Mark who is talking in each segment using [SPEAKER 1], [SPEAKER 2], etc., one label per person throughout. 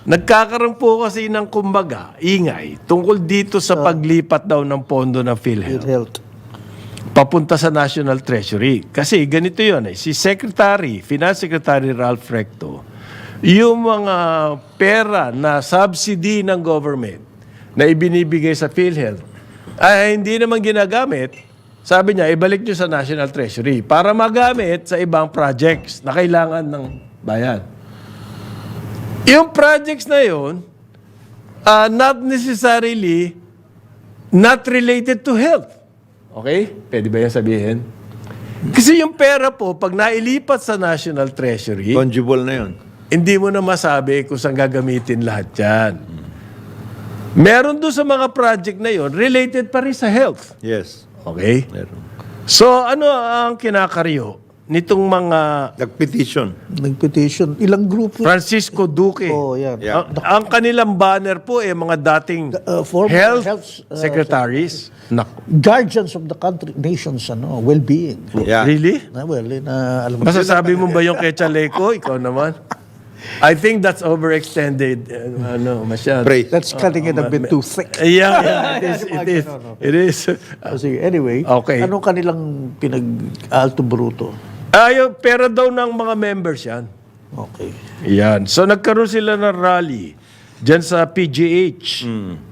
[SPEAKER 1] Nagkakaroon po kasi ng kumbaga, ingay, tungkol dito sa paglipat daw ng pondo ng PhilHealth
[SPEAKER 2] Health.
[SPEAKER 1] papunta sa National Treasury. Kasi ganito yun si Finance Secretary Ralph Recto, yung mga pera na subsidy ng government na ibinibigay sa PhilHealth, ay hindi naman ginagamit, sabi niya, ibalik nyo sa National Treasury para magamit sa ibang projects na kailangan ng bayan. Yung projects na yun, not necessarily not related to health. Okay? Pwede ba yan sabihin? Kasi yung pera po, pag nailipat sa National Treasury,
[SPEAKER 3] Fungible na yun.
[SPEAKER 1] hindi mo na masabi kung saan gagamitin lahat yan. Meron doon sa mga project na yon related pa rin sa health.
[SPEAKER 3] Yes.
[SPEAKER 1] Okay?
[SPEAKER 3] Meron.
[SPEAKER 1] So, ano ang kinakaryo nitong mga
[SPEAKER 3] Nag-petition.
[SPEAKER 2] Nag-petition. Ilang grupo?
[SPEAKER 1] Francisco Duque?
[SPEAKER 2] Oh, yan.
[SPEAKER 3] Yeah.
[SPEAKER 1] Ang kanilang banner po mga dating
[SPEAKER 2] Former
[SPEAKER 1] health secretaries. Naku.
[SPEAKER 2] Guardians of the country, nation's well-being.
[SPEAKER 3] Yeah.
[SPEAKER 1] Really?
[SPEAKER 2] Well, alam mo.
[SPEAKER 1] Masasabi mo ba yung kay Chaleco? Ikaw naman? I think that's overextended. Masyado.
[SPEAKER 3] Praise.
[SPEAKER 2] That's cutting it a bit too thick.
[SPEAKER 1] Yeah, it is. It is.
[SPEAKER 2] Sige, anyway,
[SPEAKER 1] Okay.
[SPEAKER 2] anong kanilang pinag-alto bruto?
[SPEAKER 1] Yung pera daw ng mga members yan.
[SPEAKER 2] Okay.
[SPEAKER 1] Yan. So nagkaroon sila ng rally dyan sa PGH.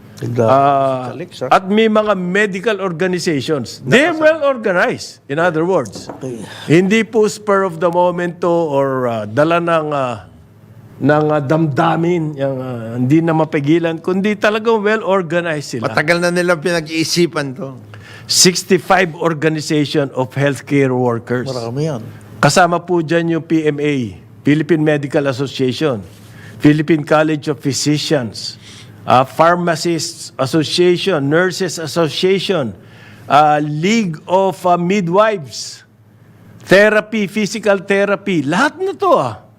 [SPEAKER 1] At may mga medical organizations. They're well organized, in other words.
[SPEAKER 2] Okay.
[SPEAKER 1] Hindi po spur of the moment to or dala ng damdamin, yung, hindi na mapigilan, kundi talagang well organized sila.
[SPEAKER 3] Matagal na nilang pinag-iisipan to.
[SPEAKER 1] 65 organization of healthcare workers.
[SPEAKER 2] Marami yan.
[SPEAKER 1] Kasama po dyan yung PMA, Philippine Medical Association, Philippine College of Physicians, Pharmacists Association, Nurses Association, League of Midwives, Therapy, Physical Therapy, lahat na to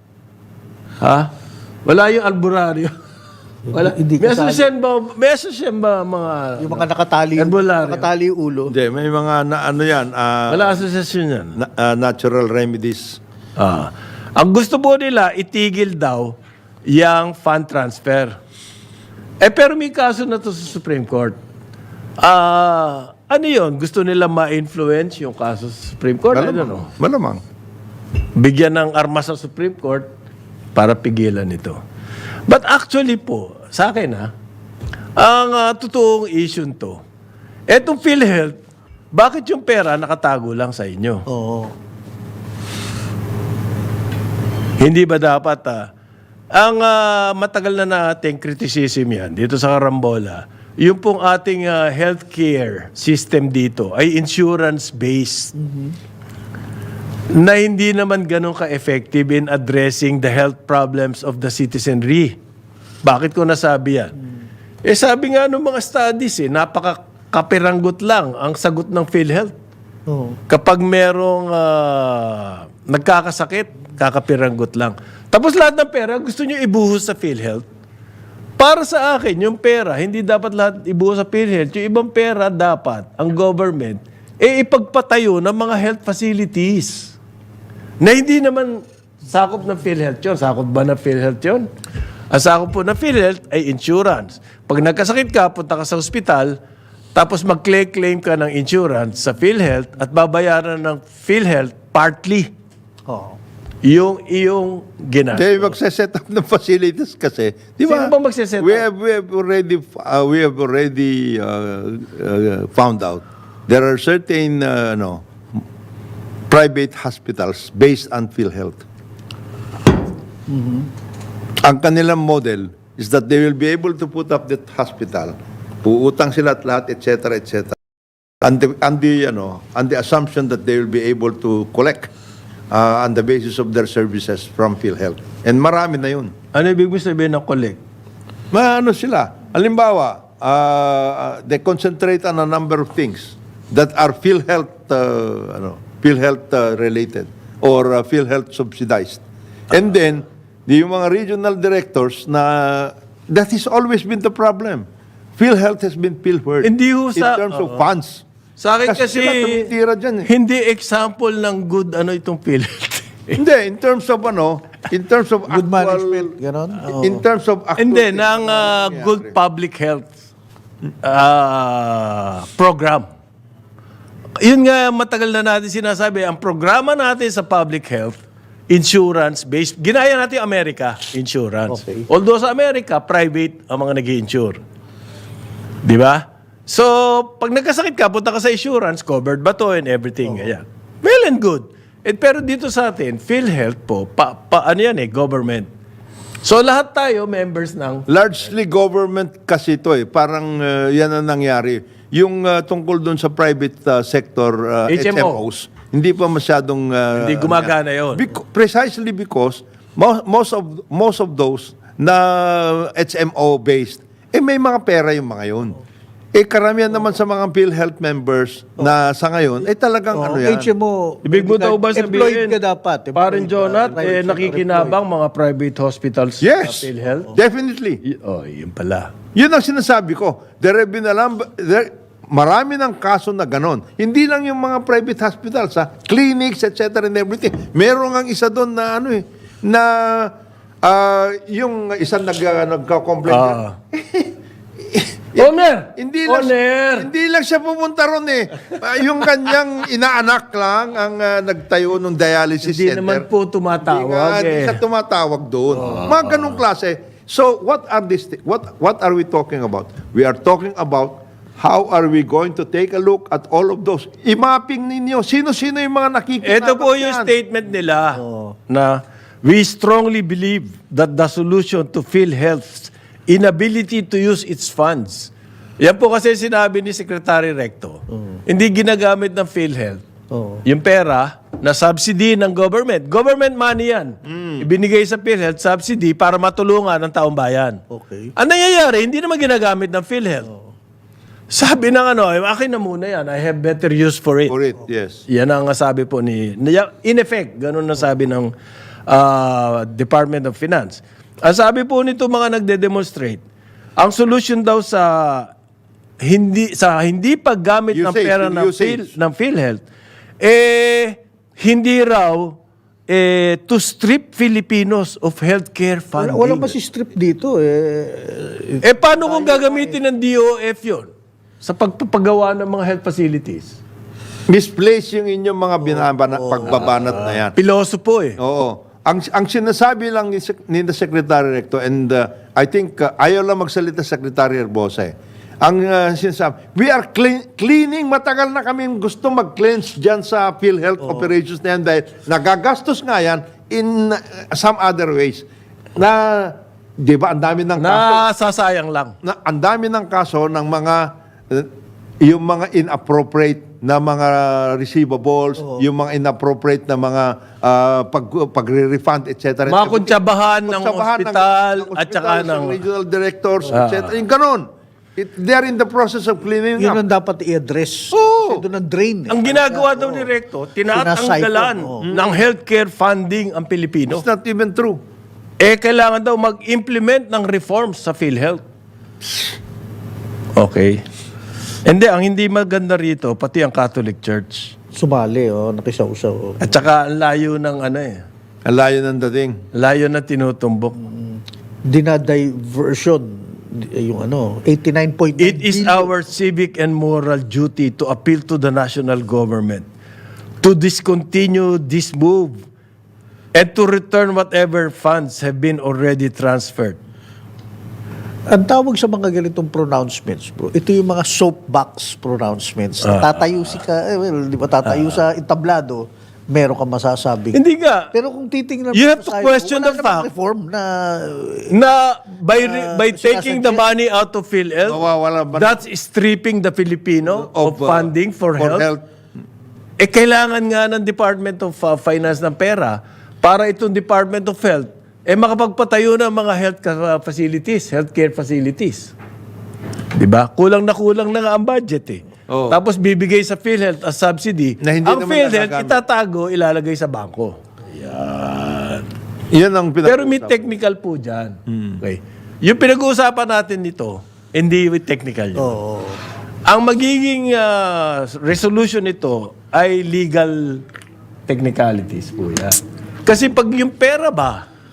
[SPEAKER 1] Wala yung albularyo. Wala.
[SPEAKER 2] Hindi
[SPEAKER 1] May
[SPEAKER 2] kasali.
[SPEAKER 1] asosyan ba mga...
[SPEAKER 2] Yung mga nakatali,
[SPEAKER 1] Herbolarium.
[SPEAKER 2] nakatali yung ulo.
[SPEAKER 3] Hindi, may mga
[SPEAKER 1] Wala asosasyon yan.
[SPEAKER 3] natural remedies.
[SPEAKER 1] Ang gusto po nila, itigil daw yung fund transfer. Pero may kaso na to sa Supreme Court. Ano yun? Gusto nila ma-influence yung kaso sa Supreme Court? I don't know.
[SPEAKER 3] Malamang.
[SPEAKER 1] Bigyan ng armas sa Supreme Court para pigilan ito. But actually po, sa akin ang totoong issue to, etong PhilHealth, bakit yung pera nakatago lang sa inyo?
[SPEAKER 2] Oo.
[SPEAKER 1] Hindi ba dapat ang matagal na nating criticism yan dito sa Carambola, yung pong ating healthcare system dito ay insurance-based. Na hindi naman ganun ka-effective in addressing the health problems of the citizenry. Bakit ko nasabi yan? Sabi nga ng mga studies, napaka-kapiranggot lang ang sagot ng PhilHealth.
[SPEAKER 2] Oo.
[SPEAKER 1] Kapag merong nagkakasakit, kakapiranggot lang. Tapos lahat ng pera, gusto nyo ibuhos sa PhilHealth. Para sa akin, yung pera, hindi dapat lahat ibuhos sa PhilHealth. Yung ibang pera, dapat, ang government, ipagpatayo ng mga health facilities. Na hindi naman sakop ng PhilHealth yun. Sakop ba ng PhilHealth yun? Ang sakop po ng PhilHealth ay insurance. Pag nagkasakit ka, punta ka sa ospital, tapos mag-claim ka ng insurance sa PhilHealth at babayaran ng PhilHealth partly
[SPEAKER 2] Oo.
[SPEAKER 1] yung iyong ginastos.
[SPEAKER 3] They magse-set up ng facilities kasi. Di ba?
[SPEAKER 1] Sino bang magse-set up?
[SPEAKER 3] We have already found out there are certain private hospitals based on PhilHealth. Ang kanilang model is that they will be able to put up that hospital, puutang sila at lahat, etc., etc. And the assumption that they will be able to collect on the basis of their services from PhilHealth. And marami na yun.
[SPEAKER 1] Ano ibig sabihin ng collect?
[SPEAKER 3] Sila? Halimbawa, they concentrate on a number of things that are PhilHealth related or PhilHealth subsidized. And then, yung mga regional directors that has always been the problem. PhilHealth has been pilfered
[SPEAKER 1] Hindi ho
[SPEAKER 3] in terms of funds.
[SPEAKER 1] Sa akin kasi,
[SPEAKER 3] sila tumitira dyan
[SPEAKER 1] hindi example ng good itong PhilHealth.
[SPEAKER 3] Hindi, in terms of In terms of
[SPEAKER 2] Good management, ganon.
[SPEAKER 3] In terms of actual...
[SPEAKER 1] Hindi, ng good public health program. Yun nga, matagal na natin sinasabi, ang programa natin sa public health, insurance-based, ginaya natin Amerika, insurance.
[SPEAKER 2] Okay.
[SPEAKER 1] Although sa Amerika, private ang mga nag-i-insure. Di ba? So, pag nagkasakit ka, punta ka sa insurance, covered ba to and everything. Ganyan. Well and good. Pero dito sa atin, PhilHealth po, ano yan government. So, lahat tayo, members ng...
[SPEAKER 3] Largely government kasi ito Parang yan ang nangyari. Yung tungkol doon sa private sector
[SPEAKER 1] HMO.
[SPEAKER 3] HMOs, hindi pa masyadong...
[SPEAKER 1] Hindi gumagana yun.
[SPEAKER 3] Precisely because most of those na HMO-based, may mga pera yung mga yun. Karamihan naman sa mga PhilHealth members na sa ngayon, talagang ano yan.
[SPEAKER 2] HMO.
[SPEAKER 1] Ibig mo daw ba
[SPEAKER 2] Employed
[SPEAKER 1] sabihin,
[SPEAKER 2] ka dapat.
[SPEAKER 1] Parang Jonat,
[SPEAKER 2] Private sector
[SPEAKER 1] nakikinabang mga private hospitals
[SPEAKER 3] Yes,
[SPEAKER 1] sa PhilHealth?
[SPEAKER 3] definitely.
[SPEAKER 1] Yun pala.
[SPEAKER 3] Yun ang sinasabi ko. Marami ng kaso na ganon. Hindi lang yung mga private hospitals, clinics, etc. and everything. Meron ang isa doon na yung isang nagka-complain.
[SPEAKER 1] Owner!
[SPEAKER 3] Hindi lang siya pumunta ron yung kanyang inaanak lang ang nagtayo ng dialysis
[SPEAKER 1] Hindi
[SPEAKER 3] center.
[SPEAKER 1] naman po tumatawag
[SPEAKER 3] Hindi siya tumatawag doon. Mga ganong klase. So, what are we talking about? We are talking about how are we going to take a look at all of those. I-mapping ninyo. Sino-sino yung mga nakikinabang
[SPEAKER 1] Ito po yung statement nila na we strongly believe that the solution to PhilHealth's inability to use its funds. Yan po kasi sinabi ni Secretary Recto. Hindi ginagamit ng PhilHealth. Yung pera na subsidy ng government. Government money yan. Ibinigay sa PhilHealth subsidy para matulungan ng taong bayan.
[SPEAKER 2] Okay.
[SPEAKER 1] Ang nangyayari, hindi naman ginagamit ng PhilHealth. Sabi ng akin na muna yan. I have better use for it.
[SPEAKER 3] For it, yes.
[SPEAKER 1] Yan ang sabi po in effect, ganun na sabi ng Department of Finance. Ang sabi po nito mga nagde-demonstrate, ang solution daw sa hindi paggamit ng pera ng PhilHealth, hindi raw to strip Filipinos of healthcare funding.
[SPEAKER 2] Walang masistrip dito
[SPEAKER 1] Paano kung gagamitin ng DOF yun sa pagpapagawa ng mga health facilities?
[SPEAKER 3] Misplace yung inyong mga pagbabanat na yan.
[SPEAKER 1] Piloso po
[SPEAKER 3] Oo. Ang sinasabi lang ni Secretary Recto, and I think ayaw lang magsalita Secretary Herbosa Ang sinasabi, we are cleaning, matagal na kami gusto mag-cleanse dyan sa PhilHealth operations na yan dahil nagagastos nga yan in some other ways. Di ba, ang dami ng kaso.
[SPEAKER 1] Nasasayang lang.
[SPEAKER 3] Ang dami ng kaso ng mga, yung mga inappropriate na mga receivables, yung mga inappropriate na mga pagre-refund, etc.
[SPEAKER 1] Mga kuntsabahan ng ospital at saka ng
[SPEAKER 3] regional directors, etc. Yung ganun. They're in the process of cleaning
[SPEAKER 2] Yun
[SPEAKER 3] up.
[SPEAKER 2] ang dapat i-address.
[SPEAKER 3] Oo.
[SPEAKER 2] Kasi doon ang drain.
[SPEAKER 1] Ang ginagawa daw ni Recto, tinatanggalan ng healthcare funding ang Pilipino.
[SPEAKER 3] It's not even true.
[SPEAKER 1] Kailangan daw mag-implement ng reforms sa PhilHealth. Okay. Ang hindi maganda rito, pati ang Catholic Church.
[SPEAKER 2] Sumali, nakisaw-saw.
[SPEAKER 1] At saka ang layo ng
[SPEAKER 3] Ang layo ng dating.
[SPEAKER 1] layo na tinutumbok.
[SPEAKER 2] Dinadiversion. Yung 89.9
[SPEAKER 1] It is
[SPEAKER 2] billion.
[SPEAKER 1] our civic and moral duty to appeal to the national government to discontinue this move and to return whatever funds have been already transferred.
[SPEAKER 2] Ang tawag sa mga ganitong pronouncements, bro, ito yung mga soapbox pronouncements. Tatayo di ba tatayo sa entablado, meron ka masasabi.
[SPEAKER 1] Hindi nga.
[SPEAKER 2] Pero kung titingnan
[SPEAKER 1] You have
[SPEAKER 2] mo
[SPEAKER 1] to
[SPEAKER 2] sa
[SPEAKER 1] question
[SPEAKER 2] wala
[SPEAKER 1] the
[SPEAKER 2] namang
[SPEAKER 1] fact
[SPEAKER 2] reform
[SPEAKER 1] na by taking the money out of PhilHealth,
[SPEAKER 3] Mawawala ba-
[SPEAKER 1] that's stripping the Filipino of funding for health. Kailangan nga ng Department of Finance ng pera para itong Department of Health makapagpatayo ng mga healthcare facilities. Diba? Kulang na nga ang budget
[SPEAKER 3] Oo.
[SPEAKER 1] Tapos bibigay sa PhilHealth as subsidy.
[SPEAKER 3] Na hindi
[SPEAKER 1] Ang
[SPEAKER 3] naman
[SPEAKER 1] PhilHealth
[SPEAKER 3] nagagamit.
[SPEAKER 1] itatago, ilalagay sa bangko.
[SPEAKER 3] Yan ang
[SPEAKER 1] Pero may technical po dyan. Okay. Yung pinag-uusapan natin nito, hindi with technical yun. Ang magiging resolution nito ay legal technicalities po yan. Kasi pag yung pera ba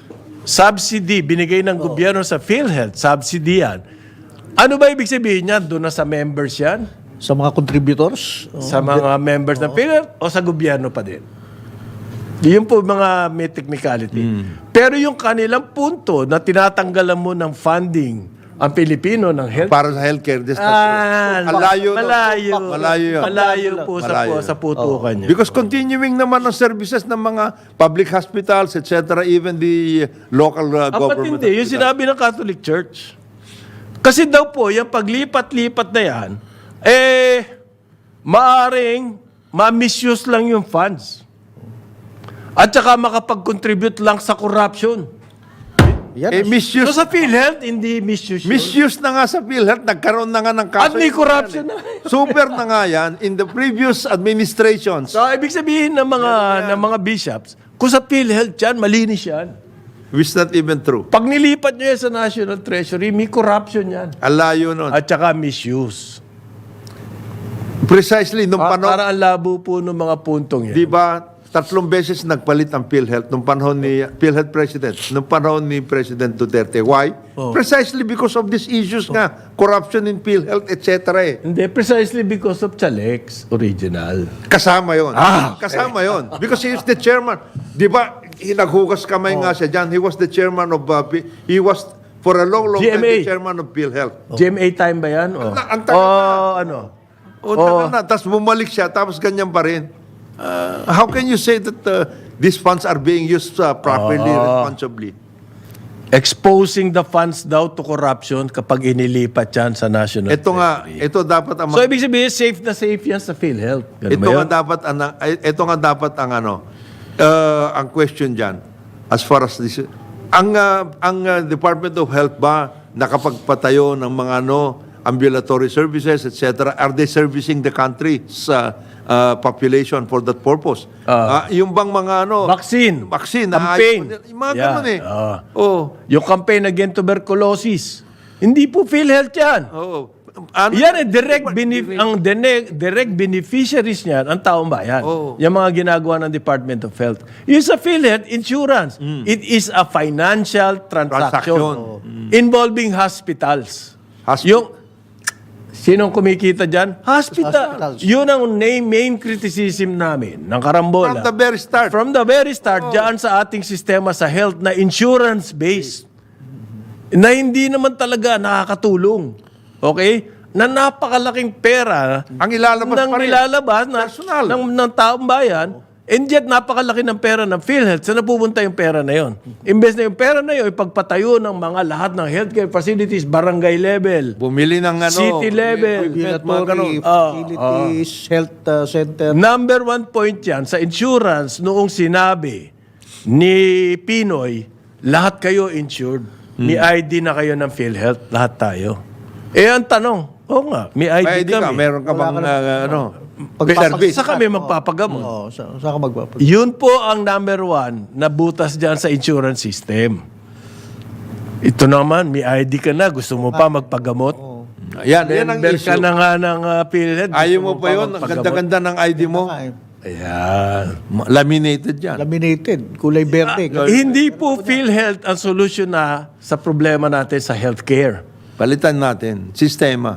[SPEAKER 1] subsidy binigay ng gobyerno sa PhilHealth, subsidy yan. Ano ba ibig sabihin niyan? Doon na sa members yan?
[SPEAKER 2] Sa mga contributors?
[SPEAKER 1] Sa mga members ng PhilHealth o sa gobyerno pa din? Yun po mga may technicality. Pero yung kanilang punto na tinatanggalan mo ng funding ang Pilipino ng health.
[SPEAKER 3] Para sa healthcare. Malayo. Yun.
[SPEAKER 1] Malayo po
[SPEAKER 3] Malayo.
[SPEAKER 1] sa putukan niya.
[SPEAKER 3] Because continuing naman ang services ng mga public hospitals, etc., even the local
[SPEAKER 1] Apat
[SPEAKER 3] government.
[SPEAKER 1] hindi. Yung sinabi ng Catholic Church. Kasi daw po, yung paglipat-lipat na yan, maaring ma-misuse lang yung funds. At saka makapag-contribute lang sa corruption.
[SPEAKER 2] Yan.
[SPEAKER 3] Misuse.
[SPEAKER 1] So sa PhilHealth, hindi misuse yun.
[SPEAKER 3] Misuse na nga sa PhilHealth, nagkaroon na nga ng kaso.
[SPEAKER 1] At may corruption na.
[SPEAKER 3] Super na nga yan in the previous administrations.
[SPEAKER 1] So, ibig sabihin ng mga bishops, kung sa PhilHealth yan, malinis yan.
[SPEAKER 3] Which is not even true.
[SPEAKER 1] Pag nilipat nyo yan sa National Treasury, may corruption yan.
[SPEAKER 3] Alayo nun.
[SPEAKER 1] At saka misuse.
[SPEAKER 3] Precisely, nung panahon,
[SPEAKER 1] Para ang labo po ng mga puntong yan.
[SPEAKER 3] di ba, 3 beses nagpalit ang PhilHealth nung panahon ni PhilHealth President, nung panahon ni President Duterte. Why? Precisely because of these issues nga, corruption in PhilHealth, etc.
[SPEAKER 1] Hindi, precisely because of Chalex original.
[SPEAKER 3] Kasama yon.
[SPEAKER 1] Okay.
[SPEAKER 3] Kasama yon. Because he is the chairman. Di ba, naghugas kamay nga siya dyan. He was the chairman of, he was for a long time
[SPEAKER 1] GMA.
[SPEAKER 3] the chairman of PhilHealth.
[SPEAKER 1] GMA time ba yan? O
[SPEAKER 3] Ang tagal na.
[SPEAKER 1] ano?
[SPEAKER 3] Tagal na. Tapos bumalik siya, tapos ganyan pa rin. How can you say that these funds are being used properly, responsibly?
[SPEAKER 1] Exposing the funds daw to corruption kapag inilipat yan sa National
[SPEAKER 3] Ito nga,
[SPEAKER 1] Treasury.
[SPEAKER 3] ito dapat ang
[SPEAKER 1] So, ibig sabihin, safe na safe yan sa PhilHealth. Ganun
[SPEAKER 3] ito
[SPEAKER 1] ba
[SPEAKER 3] nga
[SPEAKER 1] yun?
[SPEAKER 3] dapat ang ang question diyan as far as this ang Department of Health ba nakapagpatayo ng mga ambulatory services, etc. Are they servicing the country's population for that purpose? Yung bang mga
[SPEAKER 1] Vaccine.
[SPEAKER 3] naayos
[SPEAKER 1] Campaign.
[SPEAKER 3] mo nila. Yung mga ganun eh.
[SPEAKER 1] Yung campaign against tuberculosis. Hindi po PhilHealth yan. Yan direct beneficiaries niyan ang taong bayan. Yung mga ginagawa ng Department of Health. Yung sa PhilHealth, insurance. It is a financial transaction. Involving hospitals. Yung sinong kumikita dyan? Hospital.
[SPEAKER 2] Hospitals.
[SPEAKER 1] Yun ang main criticism namin ng Karambola.
[SPEAKER 3] From the very start.
[SPEAKER 1] From the very start, dyan sa ating sistema sa health na insurance-based. Na hindi naman talaga nakakatulong. Okay? Na napakalaking pera
[SPEAKER 3] Ang ilalabas
[SPEAKER 1] ng
[SPEAKER 3] pa rin.
[SPEAKER 1] nilalabas
[SPEAKER 3] Personal.
[SPEAKER 1] ng taong bayan, and yet napakalaki ng pera ng PhilHealth. Saan napupunta yung pera na yon? Imbes na yung pera na yon, ipagpatayo ng mga lahat ng healthcare facilities, barangay level,
[SPEAKER 3] Bumili ng
[SPEAKER 1] city level,
[SPEAKER 2] Regulatory facilities, health center.
[SPEAKER 1] Number 1 point yan sa insurance noong sinabi ni Pinoy, lahat kayo insured. May ID na kayo ng PhilHealth, lahat tayo. Ang tanong, nga, may ID kami.
[SPEAKER 3] Meron ka bang
[SPEAKER 2] Pagpapag-
[SPEAKER 1] Sa kami magpapagamot.
[SPEAKER 2] Oo, saan ka magpapag?
[SPEAKER 1] Yun po ang number 1 na butas dyan sa insurance system. Ito naman, may ID ka na, gusto mo pa magpagamot?
[SPEAKER 3] Yan ang
[SPEAKER 1] Member
[SPEAKER 3] issue.
[SPEAKER 1] ka na nga ng PhilHealth.
[SPEAKER 3] Ayaw
[SPEAKER 1] gusto
[SPEAKER 3] mo pa yun, ang
[SPEAKER 1] magpagamot?
[SPEAKER 3] ganda-ganda ng ID mo.
[SPEAKER 1] Ayan.
[SPEAKER 3] Laminated yan.
[SPEAKER 2] Laminated, kulay berde.
[SPEAKER 1] Hindi po PhilHealth ang solusyon na sa problema natin sa healthcare.
[SPEAKER 3] Palitan natin. Sistema.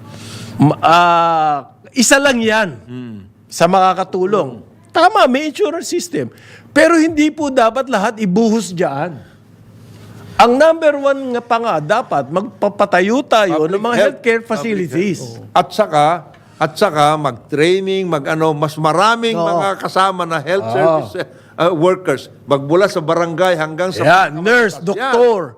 [SPEAKER 1] Isa lang yan sa makakatulong. Tama, may insurance system. Pero hindi po dapat lahat ibuhos dyan. Ang number 1 nga pa nga, dapat magpapatayo tayo ng mga healthcare facilities.
[SPEAKER 3] At saka mag-training, mas maraming mga kasama na health service workers. Magmula sa barangay hanggang sa...
[SPEAKER 1] Yan, nurse, doktor.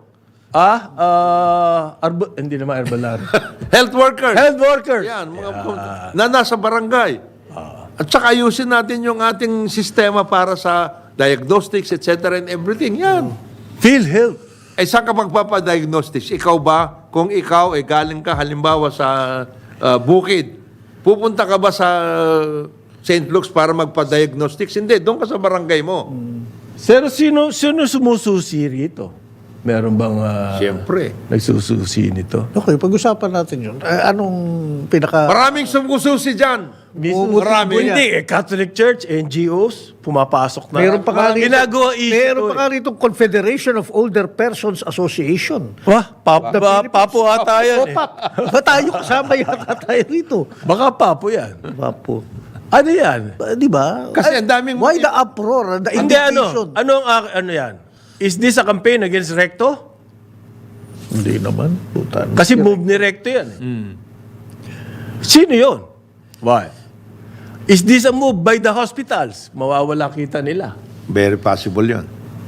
[SPEAKER 1] Hindi naman herbalario.
[SPEAKER 3] Health workers.
[SPEAKER 1] Health workers.
[SPEAKER 3] Yan, na nasa barangay. At saka ayusin natin yung ating sistema para sa diagnostics, etc. and everything. Yan.
[SPEAKER 1] PhilHealth.
[SPEAKER 3] Saan ka magpapadiagnostics? Ikaw ba? Kung ikaw galing ka halimbawa sa bukid, pupunta ka ba sa St. Luke's para magpa-diagnostics? Hindi, doon ka sa barangay mo.
[SPEAKER 1] Pero sino sumususi rito? Meron bang
[SPEAKER 3] Siyempre.
[SPEAKER 1] nagsususi nito?
[SPEAKER 2] Okay, pag-usapan natin yun. Anong pinaka...
[SPEAKER 3] Maraming sumususi dyan.
[SPEAKER 2] Marami
[SPEAKER 1] Hindi, Catholic Church, NGOs, pumapasok na.
[SPEAKER 2] Meron pa nga rito,
[SPEAKER 1] Ginagawa issue.
[SPEAKER 2] meron pa nga rito Confederation of Older Persons Association.
[SPEAKER 1] Wah, papo ata yan eh.
[SPEAKER 2] Opak. Ba tayo kasama yata tayo rito?
[SPEAKER 1] Baka papo yan.
[SPEAKER 2] Papo.
[SPEAKER 1] Ano yan?
[SPEAKER 2] Di ba?
[SPEAKER 3] Kasi ang daming-
[SPEAKER 2] Why the uproar? The
[SPEAKER 1] Hindi
[SPEAKER 2] indignation?
[SPEAKER 1] ano yan? Is this a campaign against Recto?
[SPEAKER 2] Hindi naman. Putan.
[SPEAKER 1] Kasi move ni Recto yan. Sino yun? Why? Is this a move by the hospitals? Mawawala kita nila.
[SPEAKER 3] Very possible yun.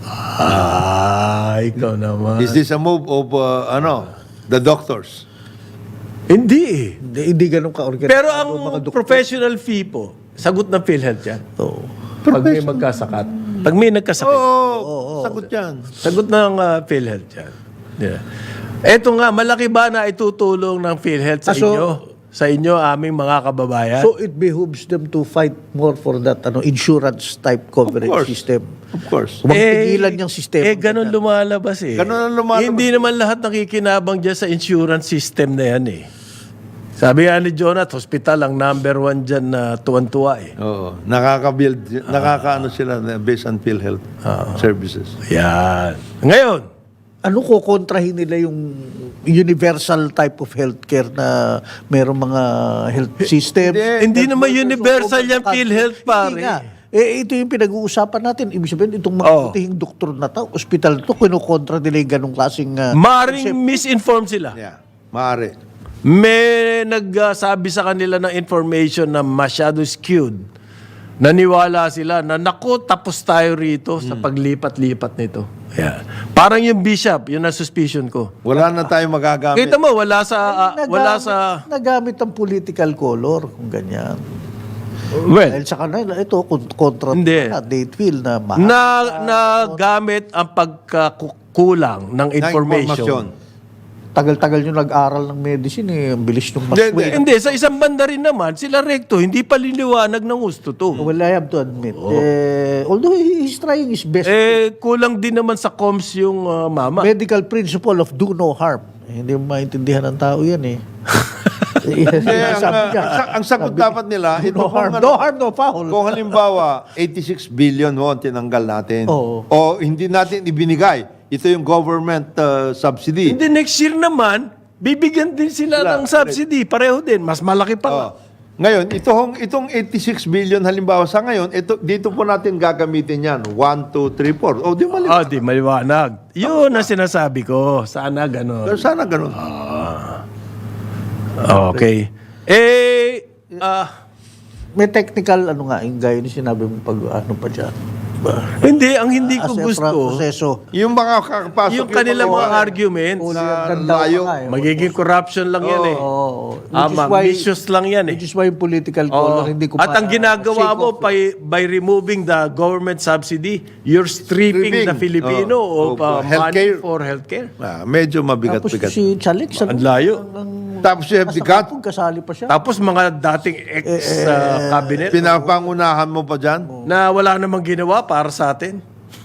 [SPEAKER 1] Ikaw naman.
[SPEAKER 3] Is this a move of, the doctors?
[SPEAKER 1] Hindi eh.
[SPEAKER 2] Hindi ganun ka-organized.
[SPEAKER 1] Pero ang professional fee po, sagot ng PhilHealth yan.
[SPEAKER 2] Oo.
[SPEAKER 1] Pag may magkasakat. Pag may nagkasakit.
[SPEAKER 3] Oo, sagot yan.
[SPEAKER 1] Sagot ng PhilHealth yan. Yeah. Eto nga, malaki ba na itutulong ng PhilHealth sa
[SPEAKER 2] So-
[SPEAKER 1] inyo? Sa inyo, aming mga kababayan?
[SPEAKER 2] So it behooves them to fight more for that insurance type coverage
[SPEAKER 3] course.
[SPEAKER 2] system.
[SPEAKER 3] Of course.
[SPEAKER 2] Huwag pigilan yung sistema.
[SPEAKER 1] ganun lumalabas eh.
[SPEAKER 3] Ganun ang lumalabas.
[SPEAKER 1] Hindi naman lahat nakikinabang dyan sa insurance system na yan eh. Sabi nga ni Jonat, hospital ang number 1 dyan na tuwan-tuwa eh.
[SPEAKER 3] Oo. Nakaka-build, nakaka-ano sila based on PhilHealth services.
[SPEAKER 1] Yan. Ngayon,
[SPEAKER 2] Ano ko kontrahin nila yung universal type of healthcare na merong mga health system?
[SPEAKER 1] hindi naman universal yan PhilHealth pare.
[SPEAKER 2] Hindi nga. Ito yung pinag-uusapan natin. Ibig sabihin, itong mga putihing doktor na to, ospital to, kinukontra nila yung ganong klaseng...
[SPEAKER 1] Maring misinformed sila.
[SPEAKER 3] Yeah. Maaari.
[SPEAKER 1] May nagsabi sa kanila ng information na masyado skewed. Naniwala sila na naku, tapos tayo rito sa paglipat-lipat nito. Yeah. Parang yung bishop, yun ang suspicion ko.
[SPEAKER 3] Wala na tayong magagamit.
[SPEAKER 1] Kita mo, wala sa...
[SPEAKER 2] Nagamit ang political color, kung ganyan.
[SPEAKER 1] Well,
[SPEAKER 2] Dahil sa kanila, ito, kontra
[SPEAKER 1] Hindi.
[SPEAKER 2] na, date fill na mahal.
[SPEAKER 1] nagamit ang pagkakulang ng information.
[SPEAKER 2] Tagal-tagal nyo nag-aral ng medicine Ang bilis nung mas
[SPEAKER 3] Hindi,
[SPEAKER 1] Hindi, sa isang banda rin naman, sila Recto, hindi pa liniwanag ng gusto to.
[SPEAKER 2] Well, I have to admit. Although he's trying his best.
[SPEAKER 1] Kulang din naman sa comms yung mama.
[SPEAKER 2] Medical principle of do no harm. Hindi mo maintindihan ng tao yan Sabi niya,
[SPEAKER 3] ang sagot dapat nila, ito
[SPEAKER 2] no harm.
[SPEAKER 3] kung,
[SPEAKER 2] No harm, no foul.
[SPEAKER 3] kung halimbawa, 86 billion mo ang tinanggal natin.
[SPEAKER 2] Oo.
[SPEAKER 3] O hindi natin ibinigay. Ito yung government subsidy.
[SPEAKER 1] Hindi, next year naman, bibigyan din sila ng subsidy. Pareho din. Mas malaki pa nga.
[SPEAKER 3] Ngayon, itong 86 billion halimbawa sa ngayon, dito po natin gagamitin yan. 1, 2, 3, 4. O, di mali.
[SPEAKER 1] Di maliwanag. Yun ang sinasabi ko. Sana gano'n.
[SPEAKER 3] Pero sana ganun.
[SPEAKER 1] Okay.
[SPEAKER 2] May technical, yung gaya ni sinabi mo pag pa dyan.
[SPEAKER 1] Hindi, ang hindi ko
[SPEAKER 2] As a
[SPEAKER 1] gusto,
[SPEAKER 2] proseso.
[SPEAKER 3] Yung mga kakapasok.
[SPEAKER 1] yung kanilang mga arguments,
[SPEAKER 3] layo.
[SPEAKER 1] magiging corruption lang yan eh. Vicious lang yan eh.
[SPEAKER 2] Which is why yung political color, hindi ko
[SPEAKER 1] At ang ginagawa mo by removing the government subsidy, you're stripping the Filipino of money
[SPEAKER 3] healthcare.
[SPEAKER 1] for healthcare.
[SPEAKER 3] Medyo
[SPEAKER 2] Tapos
[SPEAKER 3] mabigat-bigat.
[SPEAKER 2] si Chalik,
[SPEAKER 1] Ang layo.
[SPEAKER 3] Tapos you have the gut.
[SPEAKER 2] kasali pa siya.
[SPEAKER 1] Tapos mga dating ex-cabinet
[SPEAKER 3] Pinapangunahan mo pa dyan.
[SPEAKER 1] na wala namang ginawa para sa atin.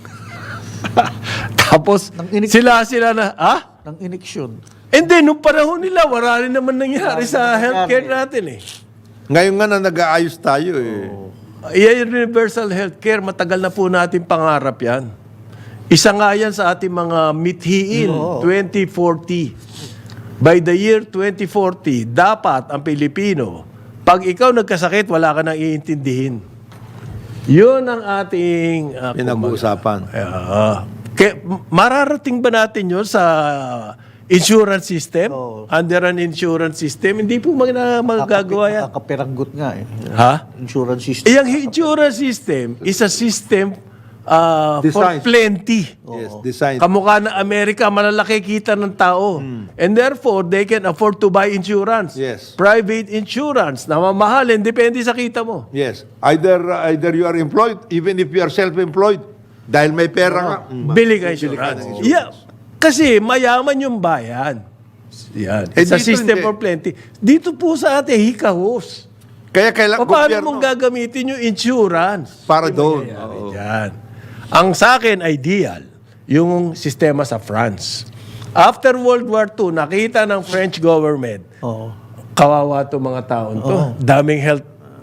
[SPEAKER 1] Tapos
[SPEAKER 2] Nang
[SPEAKER 1] sila na,
[SPEAKER 2] Ng iniksyon.
[SPEAKER 1] Hindi, nung panahon nila, wala rin naman nangyari sa healthcare natin eh.
[SPEAKER 3] Ngayon nga na nag-aayos tayo eh.
[SPEAKER 1] Yung universal healthcare, matagal na po natin pangarap yan. Isa nga yan sa ating mga mithiin, 2040. By the year 2040, dapat ang Pilipino, pag ikaw nagkasakit, wala ka nang iintindihin. Yun ang ating
[SPEAKER 3] Pinag-uusapan.
[SPEAKER 1] mararating ba natin yun sa insurance system? Under an insurance system? Hindi po magagawa yan.
[SPEAKER 2] Nakakapiranggot nga
[SPEAKER 1] Ha?
[SPEAKER 2] Insurance system.
[SPEAKER 1] Yung insurance system is a system for
[SPEAKER 3] Designed.
[SPEAKER 1] plenty.
[SPEAKER 3] Yes, design.
[SPEAKER 1] Kamukha ng Amerika, malalaki kita ng tao. And therefore, they can afford to buy insurance.
[SPEAKER 3] Yes.
[SPEAKER 1] Private insurance, na mamahalin, depende sa kita mo.
[SPEAKER 3] Yes. Either you are employed, even if you are self-employed, dahil may pera ka.
[SPEAKER 1] Bili ka insurance. Yeah. Kasi mayaman yung bayan. Yan. Sa
[SPEAKER 3] dito
[SPEAKER 1] system
[SPEAKER 3] hindi.
[SPEAKER 1] for plenty. Dito po sa atin, hikahos.
[SPEAKER 3] Kaya kailangan
[SPEAKER 1] Paano mong gagamitin yung insurance?
[SPEAKER 3] para doon.
[SPEAKER 1] Yan. Ang sa akin, ideal, yung sistema sa France. After World War II, nakita ng French government, kawawa to mga taon to. Daming health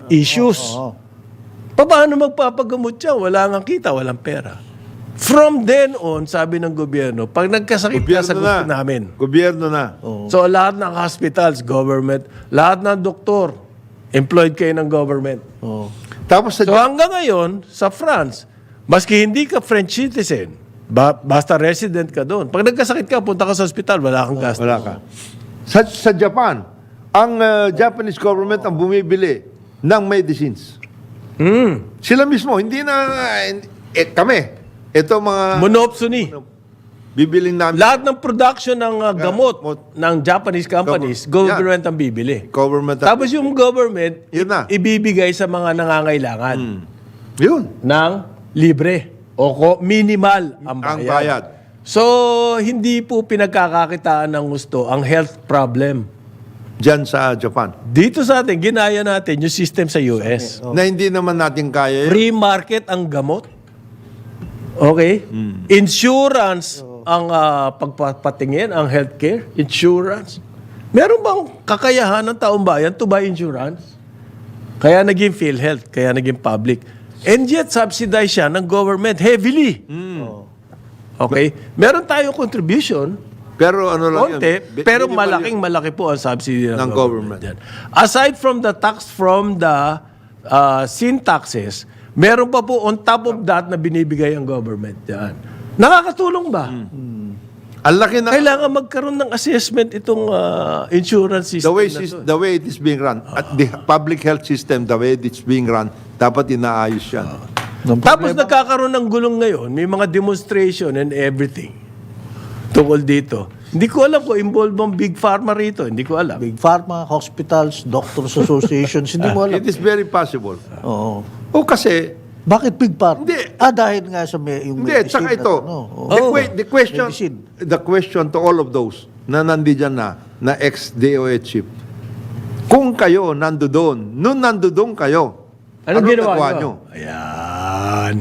[SPEAKER 1] issues.
[SPEAKER 2] Oo.
[SPEAKER 1] Paano magpapagamot siya? Wala nga kita, walang pera. From then on, sabi ng gobyerno, pag nagkasakit ka, sagutin namin.
[SPEAKER 3] Gobyerno na.
[SPEAKER 1] So lahat ng hospitals, government, lahat ng doktor, employed kayo ng government.
[SPEAKER 2] Oo.
[SPEAKER 3] Tapos sa
[SPEAKER 1] So hanggang ngayon, sa France, maski hindi ka French citizen, basta resident ka doon. Pag nagkasakit ka, punta ka sa hospital, wala kang gasto.
[SPEAKER 3] wala ka. Sa Japan, ang Japanese government ang bumibili ng medicines. Sila mismo, hindi na kami. Ito mga
[SPEAKER 1] Monopsony.
[SPEAKER 3] bibiling namin.
[SPEAKER 1] Lahat ng production ng gamot
[SPEAKER 3] Gamot.
[SPEAKER 1] ng Japanese companies, government ang bibili.
[SPEAKER 3] Government.
[SPEAKER 1] Tapos yung government,
[SPEAKER 3] Yun na.
[SPEAKER 1] ibibigay sa mga nangangailangan
[SPEAKER 3] Yun.
[SPEAKER 1] ng libre o minimal ang bayad.
[SPEAKER 3] Ang bayad.
[SPEAKER 1] So, hindi po pinagkakakitaan ng gusto ang health problem.
[SPEAKER 3] Diyan sa Japan.
[SPEAKER 1] Dito sa atin, ginaya natin yung system sa US.
[SPEAKER 3] Na hindi naman natin kaya.
[SPEAKER 1] Free market ang gamot. Okay? Insurance ang pagpapatingin, ang healthcare, insurance. Meron bang kakayahan ng taong bayan to buy insurance? Kaya naging PhilHealth, kaya naging public. And yet, subsidized siya ng government heavily. Okay? Meron tayong contribution,
[SPEAKER 3] Pero ano lang
[SPEAKER 1] konti,
[SPEAKER 3] yun.
[SPEAKER 1] pero
[SPEAKER 3] Minimal
[SPEAKER 1] malaking malaki po ang subsidy ng
[SPEAKER 3] Ng government.
[SPEAKER 1] Yan. Aside from the tax from the sin taxes, meron pa po on top of that na binibigay ang government. Yan. Nakakatulong ba?
[SPEAKER 3] Ang laki na
[SPEAKER 1] Kailangan magkaroon ng assessment itong insurance system
[SPEAKER 3] the way it is being run. At the public health system, the way it's being run, dapat inaayos yan.
[SPEAKER 1] Tapos nagkakaroon ng gulong ngayon, may mga demonstration and everything tungkol dito. Hindi ko alam kung involved bang Big Pharma rito. Hindi ko alam.
[SPEAKER 2] Big Pharma, hospitals, doctors associations, hindi mo alam.
[SPEAKER 3] It is very possible.
[SPEAKER 2] Oo.
[SPEAKER 3] O kasi,
[SPEAKER 2] Bakit Big Pharma?
[SPEAKER 3] Hindi.
[SPEAKER 2] Dahil nga sa yung
[SPEAKER 3] hindi,
[SPEAKER 2] medicine.
[SPEAKER 3] tsaka ito,
[SPEAKER 2] Medicine.
[SPEAKER 3] the question to all of those na nandiyan na ex-DOH chief, kung kayo nandoon, nung nandoon kayo,
[SPEAKER 1] Anong ginawa
[SPEAKER 3] nagawa
[SPEAKER 1] nyo?
[SPEAKER 3] nyo?
[SPEAKER 1] Ayan.